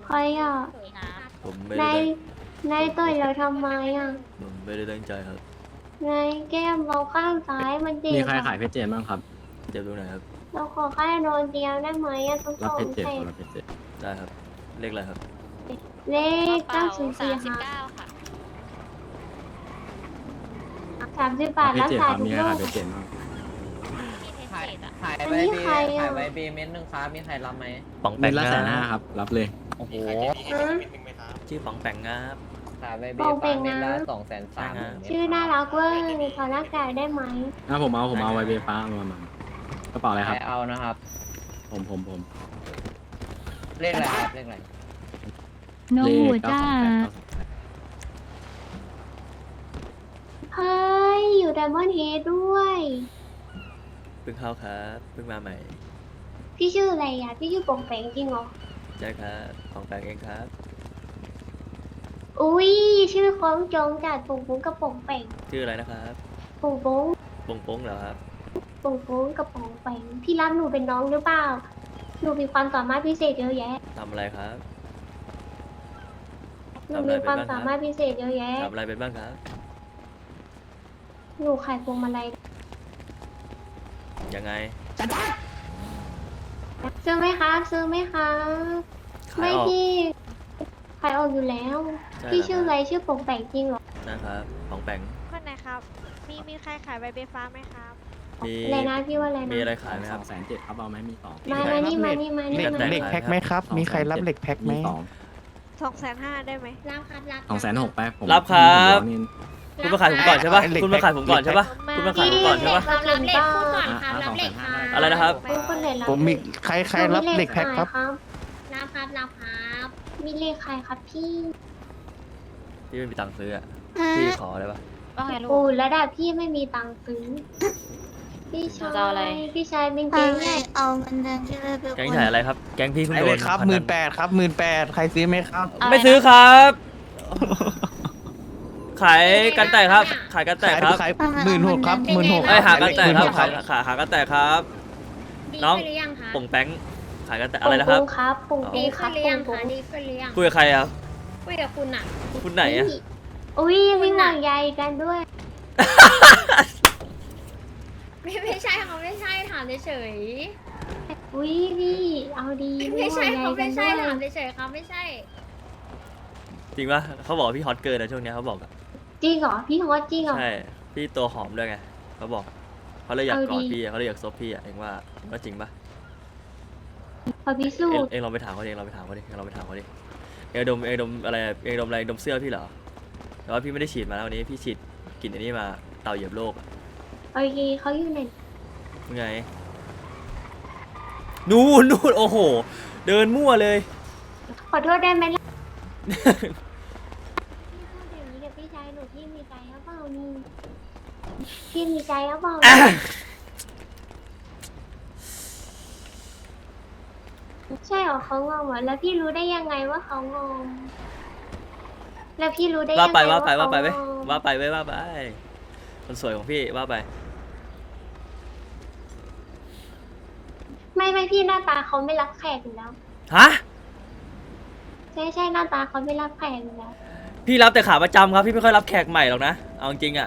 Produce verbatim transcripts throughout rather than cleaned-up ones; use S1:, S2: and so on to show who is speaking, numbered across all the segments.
S1: ใครอ่ะ
S2: ผมไม่
S1: นา
S2: ได้
S1: ยนายต่อยเราทำไมอ่ะ
S2: ผมไม่ได้ตั้งใจครับ
S1: นายแก้มเราข้างซ้ายมันเจ็บ
S3: มีใคร
S1: อะ
S3: ขายเพชรเจนบ้างครับ
S2: เจ็บตรงไหนครับ
S1: เราขอแค่โดนเดียวได้ไหมอ่ะต้อง
S3: รับ
S1: ส่
S3: เพ
S1: ง
S3: ชรเจน
S1: เสร็
S3: ค
S1: จ
S3: รับรับเพชรเจน
S2: ได้ครับ เลขอะไรครับ
S1: เลข
S4: เก้า
S1: เก้าศูนย์สี่
S4: สิบ
S1: ค่ะ
S4: เก้าค่ะ
S1: สามสิบบาท
S3: รับเพ
S1: รั
S3: ช
S1: ก
S3: รเจน
S1: ษา
S3: ครับ
S1: ทุก
S3: มีใคร
S1: โร
S3: ขาย
S1: ค
S3: เพชรเจนบ้าง
S4: ที่เทส
S5: ขาย
S4: เจ็ดอะ
S5: ขายไว
S1: อันนี้
S5: บี
S1: ใครอะ
S5: ขายไวบีเม็ดหนึ่งครับมีใครรับไหม
S2: ป๋องแป
S3: เป็
S2: ง
S3: นละ
S2: งา
S3: แสนห้าครับ รับเลย
S5: โอ้โห
S1: ฮะ
S2: ชื่อป๋องแปงงาบ
S5: ขายไว
S1: บ
S5: บี
S1: อกไป
S5: ฟ้าเม็ด
S1: นะ
S5: ละสองแสนสาม
S2: อ่า
S1: ชื่อน่ารักเวอร์ขอรักษาได้ไหม
S3: อ่ะผมเอาผมเอาไวเบฟ้าเอามามากระเป๋าอะไรค
S5: ใค
S3: รั
S5: ร
S3: บ
S5: เอานะครับ
S3: ผมผมผม
S5: เลขอะไรครับเลขอะไร
S6: น้อง
S3: เล
S6: หมู
S3: ขเก้า
S6: จ้า
S3: สองแปดเก้าสองแปด
S1: เฮ้ยอยู่ไดมอนด์เฮดด้วย
S2: เพิ่งเข้าครับเพิ่งมาใหม่
S1: พี่ชื่ออะไรอ่ะพี่ชื่อโป่งแปงจริงเหรอ
S2: ใช่ครับป๋องแปงเองครับ
S1: อุ้ยชื่อคล้องจองจัดโป่งโป่งกับโป่งแปง
S2: ชื่ออะไรนะครับ
S1: โป่งโป่ง
S2: ปงปงเหรอครับ
S1: โป่งโป่งกับโป่งแปงพี่รับหนูเป็นน้องหรือเปล่าหนูมีความสามารถพิเศษเยอะแยะ
S2: ทำอะไรครับ
S1: หนูมีความสามารถพิเศษเยอะแยะ
S2: ทำอะไรเป็นบ้างครับ
S1: หนูขายพวงมาลัย
S2: ยังไง
S1: ซื้อไหมคะซื้อไหมคะ
S2: ขาย
S1: ไม่
S2: ออก
S1: พี่ขายออกอยู่แล้ว
S2: ใช่
S1: พี่
S2: เหรอ
S1: ชื่ออะไรชื่อโป่งแปงจริงเหรอ
S2: นะครับป๋องแปง
S4: คนไหนครับ มีมีใครขายใบเบฟ้าไหมครับ
S2: มี
S1: อะไรนะพี่ว่าอะไรนะ
S2: มีอะไรขายไหม
S3: ส
S2: ครั
S3: อบ งแสนเจ็ดครับเอาไหมมีสอง
S1: มามานี่มานี่มานี่
S2: เหล็ก
S1: มา
S2: เหล็กแพ็คไหมครับ
S3: มีใครรับเหล็กแพ็คไหมมีสอง
S4: สองแสนห้าได้ไหม
S1: รับครับรับ
S3: สองแสนหกไปผม
S2: รับครับ
S3: ผมนี่
S2: คุณมาขายผมก่อนใช่ปะคุณมาขายผมก่อนใช่ปะคุณมาขายผมก่อนใช่ปะ
S1: รับเหล็กพูดก่อน
S3: อ่ะอ่ะสองแสนห้าได้
S2: อะไรนะครับ
S1: พูดคนไหนรับ
S7: ผมมีใครใครรับเหล็กแพ็คครับ
S1: รับครับรับครับมีเลขใครครับพี่
S2: พี่ไม่มีตังค์ซื้ออะพี่ขอได้ปะ
S4: ว่าไงลู
S1: โอ้
S4: ก
S1: ระดับพี่ไม่มีตังค์ซื้อพี่ชา
S4: จะเอาอะไร
S1: ยพี่ชายเป็น
S6: เอา
S1: เก่ง
S6: เล
S1: ไง
S6: ยเอาเงินเดือนที่เลยไป
S2: แก๊งถ่ายอะไรครับ แก๊งพี่เพิ่ง
S7: ไอ้
S2: โด
S7: เล
S2: น
S7: ยครับ
S2: พ
S7: หมื่
S2: นั
S7: นแปดครับหมื่นแปดใครซื้อไหมครับ
S2: ไม่ซื้อครับ ขายกันแตกครับ ขายกันแตกครับ
S7: ขายหมื่นหกครับหมื่นหก
S2: ไอยหากันแตกครับ
S7: ครั
S2: ขายขายหากันแตกครับ น้องป่งแป้งขายกันแตกอะไรนะครับ
S1: ปุ่งครับปุ่ง
S2: อ๋อ
S1: ปีครับปุ่งปุ่ง
S2: คุยกับใครครับ
S8: คุยกับคุณอ่ะ
S2: คุณไหนอะ
S1: อุ้ยมีห่วงใยกันด้วย
S8: ไม่ไม่ใช่เขาไม่ใช่ถามเฉย
S1: อุ้ยพี่เอาดี
S8: ๆไม่ใช่
S1: ห่ว
S8: เขา
S1: งใยกั
S8: ไม่
S1: น
S8: ใช่
S1: ด้วย
S8: ถามเฉยๆเขาไม่ใช่
S2: จริงปะเขาบอกว่าพี่ฮอตเกินนะช่วงเนี้ยเขาบอกอะ
S1: จริงเหรอพี่ฮอตจริงเหรอ
S2: ใช่ พี่ตัวหอมด้วยไงเขาบอกเขาเลยอยาก
S1: เอา
S2: กอด
S1: ดี
S2: พี่อะเขาเลยอยากซบพี่อะเองว่าเองว่าจริงปะ
S1: พอพิสู
S2: เอง
S1: จน์
S2: เองลองไปถามเขาดิเองลองไปถามเขาดิเองลองไปถามเขาดิเองดมเองดมอะไรเองดมอะไรดมเสื้อพี่เหรอแต่ว่าพี่ไม่ได้ฉีดมาแล้ววันนี้พี่ฉีดกลิ่นอันนี้มาเต่าเหยียบโลกอะ
S1: โอเคเขาอยู่ไหน
S2: ยังไงนู่นนู่นโอ้โห เดินมั่วเลย
S1: ขอโทษได้ไหมล่ะพี่พูดอย่างนี้กับพี่ชายหนูพี่มีใจหรือเปล่านี่พี่มีใจหรือเปล่าใช่เหรอเขางงเหรอแล้วพี่รู้ได้ยังไงว่าเขางงแล้วพี่รู้ได้ยัง
S2: ว่า
S1: ไง
S2: ไปว่าไปว่าไป
S1: เข
S2: ไว้
S1: งง
S2: ว่าไปไว้ว่าไปคนสวยของพี่ว่าไป
S1: ไม่ไม่พี่หน้าตาเขาไม่รับแขกอยู่แล้ว
S2: ฮะ
S1: ใช่ใช่หน้าตาเขาไม่รับแขกอยู่แล้ว
S2: พี่รับแต่ขาประจำครับพี่ไม่ค่อยรับแขกใหม่หรอกนะเอาจริงๆอะ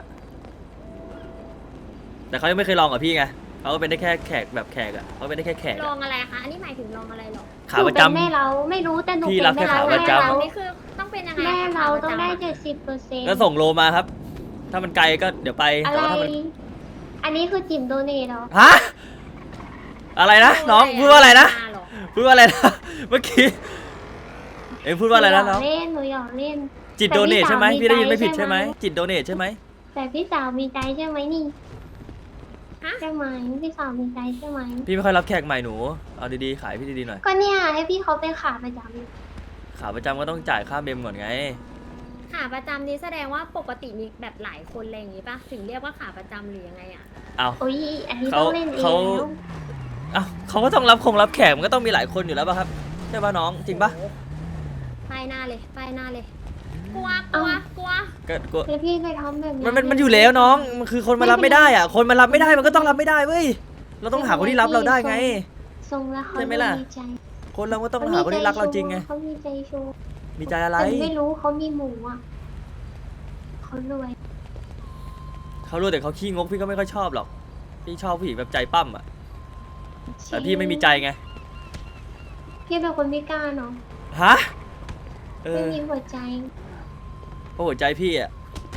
S2: แต่เขายังไม่เคยลองกับพี่ไงเขาก็เป็นได้แค่แขกแบบแขกอะเขาเป็นได้แค่แขก
S8: ล
S2: อะ
S8: องอะไรคะ อันนี้หมายถึงลองอะไรหรอ
S2: ขาประ
S1: หนู
S2: จำ
S1: เป็นแม่เราไม่รู้แต่หนู
S2: พี่
S1: เป็น
S2: รับแค่
S1: แม่เรา
S2: ขาประจำ
S1: แม่
S8: เรา
S1: เรา
S8: นี่คือต้องเป็นยังไง
S1: แม่เราต้องได้
S8: คะ
S1: เจ็ดสิบเปอร์เซ็นต์
S2: ก็ส่งโลมาครับ ถ้ามันไกลก็เดี๋ยวไป
S1: อะ
S2: แต่
S1: ไร
S2: ว่าถ้ามัน
S1: อันนี้คือจิ๋มโดเนทเหรอ
S2: ฮะอะไรนะน้องพูดว่าอะไรนะ
S8: หรอ
S2: พูดว่าอะไรนะเมื่อกี้เอ็งพูดว่าอะไรนะน้อง
S1: หยกเล่นหนูหยอกเล่น
S2: จิต
S1: แต่
S2: โดเนท
S1: พี่
S2: ใช่ไหม
S1: สาวมี
S2: พี่ได้ยินไม่
S1: ใจ
S2: ผิด
S1: ใช่
S2: ใช่ไห
S1: ไห
S2: ม
S1: ม
S2: จิตโดเนทใช่ไหม
S1: แต่พี่สาวมีใจใช่ไหมนี่
S8: ฮะ
S1: ใช่ไหมพี่สาวมีใจใช่ไหม
S2: พี่ไม่ค่อยรับแขกใหม่หนูเอาดีๆขายพี่ดีๆหน่อย
S1: ก็เนี่ยให้พี่เขาเป็นขาประจำ
S2: ขาประจำก็ต้องจ่ายค่าเมมก่อนไง
S8: ขาประจำนี้แสดงว่าปกติมีแบบหลายคนอะไรอย่างงี้ป่ะ ถึงเรียกว่าขาประจำหรือยังไงอ่ะ
S2: เอา
S1: โอ้ยอันนี้
S2: เขา
S1: ต้องเล่นเอง
S2: เขา
S1: แล้ว
S2: เอาเขาก็ต้องรับคงรับแขกมันก็ต้องมีหลายคนอยู่แล้วป่ะครับใช่ป่ะน้องจริงป่ะ
S8: โอ้โหป้ายหน้าเลยป้ายหน้าเลย กลัว กลัว กลัว
S2: ก็ก็
S1: แล้วพี่ไปทำแบบนี้
S2: มันมันมันอยู่แล้วน้องมันคือคนมารับไม่ได้อ่ะคนมารับไม่ได้มันก็ต้องรับไม่ได้เว้ยเราต้องหาคนที่รับเราได้ไง
S1: ทรงแล้วเขา
S2: ใช่ไหมล่ะ
S1: ดีใจ
S2: คนเราก็ต้องหาคนที่รักเราจริงไง
S1: เขามีใจชู้
S2: มีใจอะไร
S1: แต่ไม่รู้เขามีหมูอ่ะเขารวย
S2: เขารู้แต่เขาขี้งกพี่ก็ไม่ค่อยชอบหรอกพี่ชอบผู้หญิงแบบใจปั้มอ่ะแต่พี่ไม่มีใจไง
S1: พี่เป็นคนพิการเนาะ
S2: ฮะเอ
S1: ไม่
S2: อ
S1: มีหัวใจ
S2: เพราะหัวใจพี่อ่ะ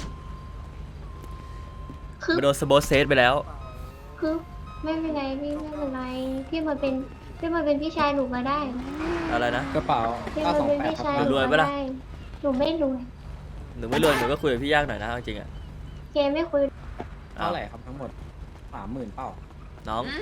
S1: คือ
S2: มาโดนสโบสเซตไปแล้ว
S1: คือไม่เป็นไรพี่ไม่เป็นไรพี่มาเป็นพี่มาเป็นพี่ชายหนูก็ได้
S2: อะไรนะ
S3: กระเป๋า
S1: พี่มาเป็นพี่ชายหนู
S2: รวย
S1: ก็
S2: ปะล่ะ
S1: ได้หนูไม่รวย
S2: หนูไม่รวยหนูก็คุยกับพี่ยากหน่อยนะเอาจริงๆอ่ะ
S1: เกไม่คุย
S2: เอา
S3: เท่าไหร่ครับทั้งหมดสามหมื่นเป้า
S2: น้อง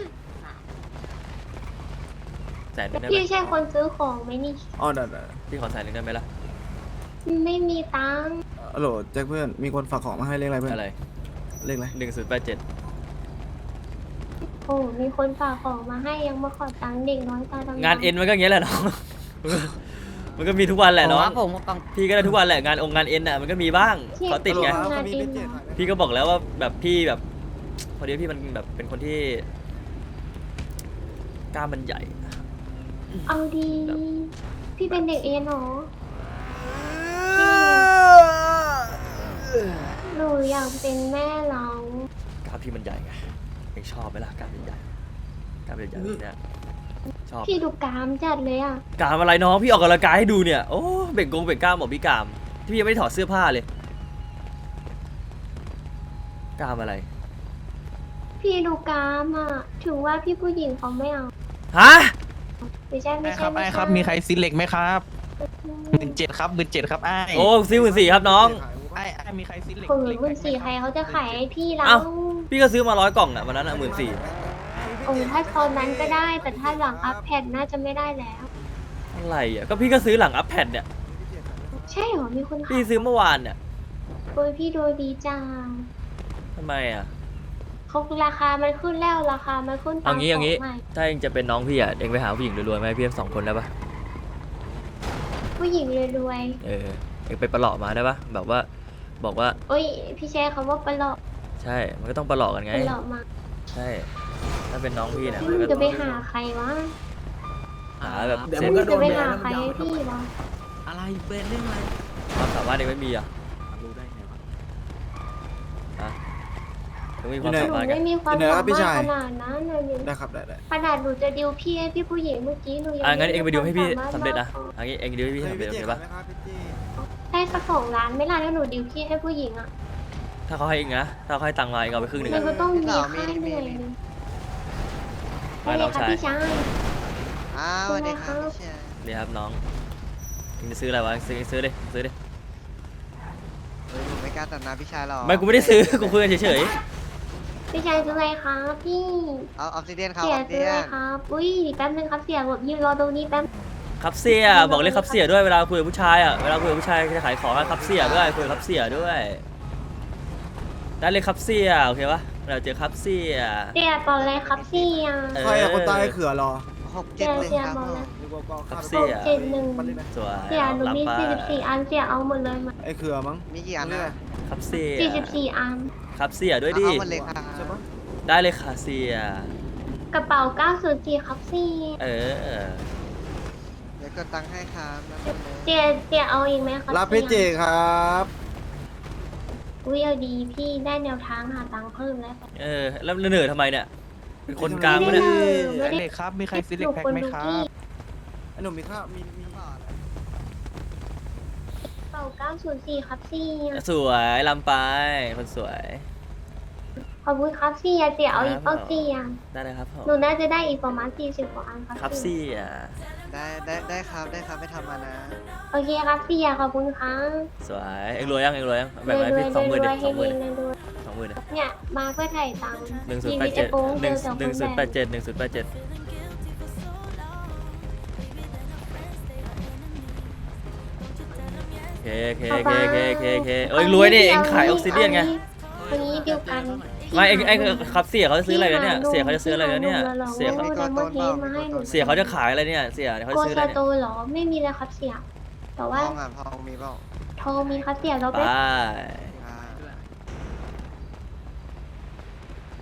S2: แสนหนึงได้ไหม
S1: พี่ใช่คนซื้อของไหมนี่
S7: อ๋อได้ได้
S2: พี่ขอแสนหนึงได้ไหมล่ะ
S1: ไม่มีตังค์
S7: ฮัลโหลแจ็คเพื่อน มีคนฝากของมาให้เลขอะไรเพื่อน
S2: อะไร
S7: เลขอะไร
S2: หนึ่งศูนย์แปดเจ็ด
S1: โอ้มีคนฝากของมาให้ยังมาขอตังค์เด็กน้อยตาดำๆ
S2: งานเอ็นมันก็อย่างเงี้ยแหละน้อง มันก็มีทุกวันแหละน้อง
S5: ผมต้อง
S2: พี่ก็ได้ทุกวันแหละงานองค์งานเอ็นอ่ะมันก็มีบ้างเขาติดไง
S1: ฮัลโหลครับมีเป็นเจ็ด
S2: พี่ก็บอกแล้วว่าแบบพี่แบบพอดีพี่มันแบบเป็นคนที่กล้ามมันใหญ่
S1: เอาดี พี่เป็นเด็กเอ็นเหรอหนูอยากเป็นแม่เรา
S2: กล้ามพี่มันใหญ่ไงเองชอบไหมล่ะกล้ามใหญ่ๆกล้ามใหญ่ๆแบบเนี่ยชอบ
S1: พี่ดูกรามจัดเลยอ่ะ
S2: กล้ามอะไรน้องพี่ออกกำลังกายให้ดูเนี่ยโอ้เบ่งกงเบ่งกล้ามบอกพี่กล้ามที่พี่ยังไม่ได้ถอดเสื้อผ้าเลยกล้ามอะไร
S1: พี่ดูกรามอ่ะถึงว่าพี่ผู้หญิงเขาไม่เอา
S2: ฮะ
S1: ไม่ใช่ไม่
S7: ไอ้ค
S1: ใช่
S7: รับ
S1: ไม่
S7: ไอ้
S1: ใช่
S7: ครับ มีใครซินเหล็กไหมครับหมื่นเจ็ดครับหมื่นเจ็ดครับไอ้
S2: โอ้ซิวหมื่นสี่ครับน้อง
S7: ไอ้ไอ้มีใครซินเหล็ก
S1: ผืน
S7: เหล็ก
S1: หมื่น
S7: ไห
S1: สี่ใครเขาจะขายให้พี่เรา
S2: เอ้า พี่ก็ซื้อมาร้อยกล่องอ่ะวันนั้นอ่ะหมื่นสี่
S1: โอ้ถ้าตอนนั้นก็ได้แต่ถ้าหลังอัพแพดน่าจะไม่ได้แล้ว
S2: อะไรอ่ะก็พี่ก็ซื้อหลังอัพแพดเนี่ย
S1: ใช่เหรอมีคนขา
S2: พี่
S1: ย
S2: ซื้อเมื่อวานเนี่ย
S1: โอ้ยพี่ดูดีจัง
S2: ทำไมอ่ะ
S1: เขาราคามันขึ้นแล้วราคามันขึ้นตา
S2: เอา
S1: ม
S2: งี้เอางี้
S1: ขใหม่
S2: ถ้าเองจะเป็นน้องพี่อ่ะเองไปหาผู้หญิงรวยๆมาให้พี่ทั้งสองคนได้ปะ
S1: ผู้หญิงรวย
S2: เออเองไปประหลอกมาได้ปะแบบว่าบอกว่า
S1: ๆโอ้ยพี่แชร์คำว่าปลอก
S2: ใช่มันก็ต้องประหลอกกันไง
S1: ปลอกมา
S2: ใช่ถ้าเป็นน้องพี่เนี่ย
S1: พี่
S2: มัน
S1: มึ
S2: ก็
S1: งจะไปหาใครวะ
S2: หาแบบ
S7: เดี๋ยว
S2: เซ็
S7: มึ
S2: น
S7: งก็
S1: จะไปหาใครให้พี่วะ
S3: อะไรเป็นเรื่องอะไร
S2: ความสามารถเองไม่มีอ่ะ
S3: รู้ได้ไงวะ
S2: ฮะเองมีความ
S1: ห
S2: สา
S1: นู
S2: มารถกัน
S1: ไม่มีความ
S7: เดี๋ยว
S1: สา
S7: นะพี่
S1: มารถ
S7: ชาย
S1: ขนาดนั้นเลยนี่
S7: ได้ครับได้ได้
S1: ขนาดหนูจะดิวพี่ให้พี่ผู้หญิงเมื่อกี้หนูยัง
S2: อ่ะงั้นเองไปดูให้พี่
S1: ควา
S2: สำเร็จ
S1: ม
S2: นะ
S1: สามารถ
S2: อันนี้เองดูให้พี่สำเร็จโอเคปะ
S1: ได้สักสองล้านไม่ล่ะแล้วหนูดิวพี่ให้ผู้หญิงอ่ะ
S2: ถ้าเขาให้เองนะถ้าเขาให้ตังค์มาเองเอาไปครึ่งหนึ่ง
S1: มัน
S2: อะ
S1: ก็ต้องมีค่าเหนื่อยหนึง
S2: ไม่
S1: ได้เลย
S2: น้อง
S1: ครับ
S2: ชาย
S1: พี่ชาย
S5: อ้าวสวัสดีครับพี่เชย
S2: นี่ครับน้องเองจะซื้ออะไรวะซื้อซื้อดิซื้อดิ
S5: เฮ้ยผมไม่กล้าตัดหน้าพี่ชายหรอก
S2: ไม่กูไม่ได้ซื้อกูคุยกันเฉย
S1: พี่ชายซื้ออะไรครับพี่
S5: เอาออฟซิเดียนครับ
S1: เสี
S5: อย อฟซิ
S1: ซื้อ
S5: เดี
S1: อะ
S5: ย
S1: ไร
S5: น
S1: ครับอุ้ยแป๊บนึงครับเสียแบบยืนรอตรงนี้แป๊บ
S2: ๆครับเสียบอกเลยครับเสียด้วยเวลาคุยกับผู้ชายอ่ะเวลาคุยกับผู้ชายจะขายของอะครับเสียด้วยคุยกับครับเสียด้วยได้เลยครับเสียโอเคปะเราเจอครับเสีย
S1: เสียตอนอะไรครับเสีย
S2: เออ
S7: ใครอะคนตายเขือรอ
S5: หกเจ็ดหนึ่งครับผม
S2: ครับ
S1: ห
S2: เสี
S1: ก
S2: ย
S1: เจ็ดหนึ่ง
S2: สวย
S1: เสียหนู
S2: รับ
S1: มี
S2: ไป
S1: สี่สิบสี่อันเสียเอาหมดเลยมา
S7: ไอ้เขือมั้ง
S5: มีกี่อันนะ
S2: ครับเสีย
S1: สี่สิบสี่อัน
S2: ครับเสียด้วยดิ
S5: เอาหมดเลยครับ
S7: ใช่ปะ
S2: ได้เลยค่ะเสีย
S1: กระเป๋าเก้าศูนย์สี่ครับเสีย
S2: เออ
S5: เดี๋ยวกดตังค์ให้ครับนั่นเลย
S1: เสียเสียเอาอีกไหมครับ
S7: รับพี่เจครับ
S1: อุ้ยเอาดีพี่ได้แนวทางหาตังค์เพิ่มแล้ว
S2: เออแล้วเหนื่อยทำไมเนี่ยเป็นคนกลางปะเนี่ย
S1: ไม่ได้
S7: เหล็กครับ มีใครซินเหล็กแพ็คไหมครับไอ้หนุ่มมีข้าวมีมี
S1: กระเป๋าเก้าศูนย์สี่ครับเสีย
S2: สวยลำไปคนสวย
S1: ขอบคุณครับเสียเสียเอาอีก
S2: ครั
S1: เป้า
S2: บ
S1: เสีย
S2: ได้เลยครับผม
S1: หนูน่าจะได้อีกประมาณสี่สิบกว่าอันครับ
S2: ครับ
S1: เสีย
S2: เสีย
S5: ได้ได้ได้ครับได้ครับไม่ทำมานะ
S1: โอเคครับเสียขอบคุณครับ
S2: สวยเอ็งรวยยังเอ็งรวยยัง
S1: ร
S2: แบ่ง
S1: วย
S2: ไว้
S1: รว
S2: พี่
S1: ย
S2: สองหมื่น
S1: ร
S2: ดิ
S1: วย
S2: ส
S1: ให้
S2: องหมื่น
S1: เฮงรวย
S2: สองหมื่น
S1: เนี่ยมาเพื่อถ่ายตังค์
S2: หนึ่งศูนย์แปดเจ็ด
S1: ชีวิตไอ้โป้ง
S2: หนึ่ง
S1: เจอสอง
S2: หนึ่ง
S1: ค
S2: ศูนย์
S1: น
S2: แป
S1: แบบ
S2: ดเจ็ดหนึ่งศูนย์แปดเจ็ดโอเคโอเคโอเคโอเคโอเคโอเคเอ้ยรวยดิเอ็งขายออกซิเดียนไง
S1: วันนี้เดียวกัน
S2: ไม่เอ็งเอ็งครับเสียเขาจะซื้ออะไรแล้วเนี่ยเสียเขาจะซื้ออะไรแล้วเนี่ยเสียเขา
S1: โดนมดเทสมาให้หนู
S2: เสียเขาจะขายอะไรเนี่ยเสียเขา
S1: โก
S2: จะซื้ออะไร
S1: ซา
S2: เนี่ย
S1: โตเหรอไม่มีเลยครับเสียแต่
S5: ท
S1: ว่า
S5: องอ่ะทองมีเปล่า
S1: ทองมีครับเสียเรา
S2: ไป
S1: ไป